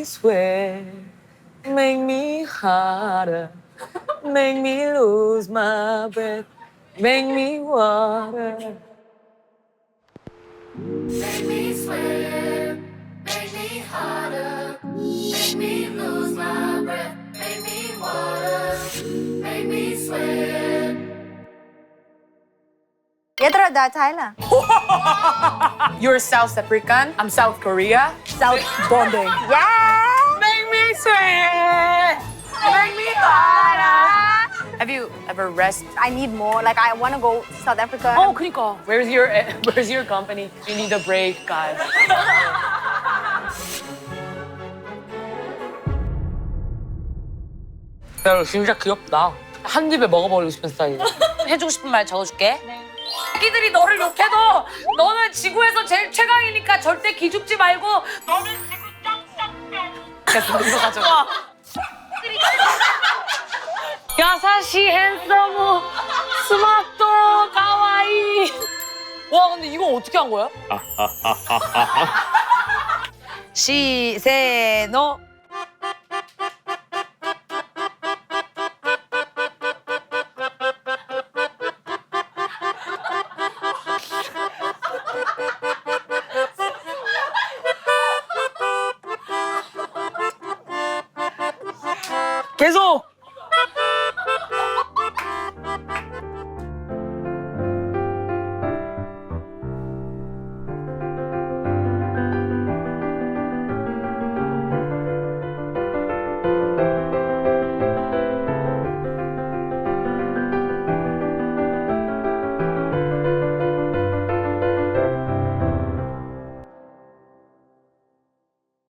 sweat, make me harder, make me lose my breath, make me water. Make me sweat, make me harder, make me lose my breath, make me water, make me sweat. 얘들아 나 Thailand. You're South African, I'm South Korea. South bonding. Yeah. Make me sweat, make me harder. Have you ever rest? I need more. Like I want to go to South Africa. Oh, 그니까. Where's your company? You need a break, guys. 야, 진짜 귀엽다. 한 입에 먹어버리고 싶은 스타일이야. 해주고 싶은 말 적어줄게. 새끼들이 너를 욕해도 너는 지구에서 제일 최강이니까 절대 기죽지 말고 너는 지구 짱짱짱. 이거 가져가. 야사시 핸섬 스마트 가와이. 와 근데 이거 어떻게 한 거야? 시세노. 계속.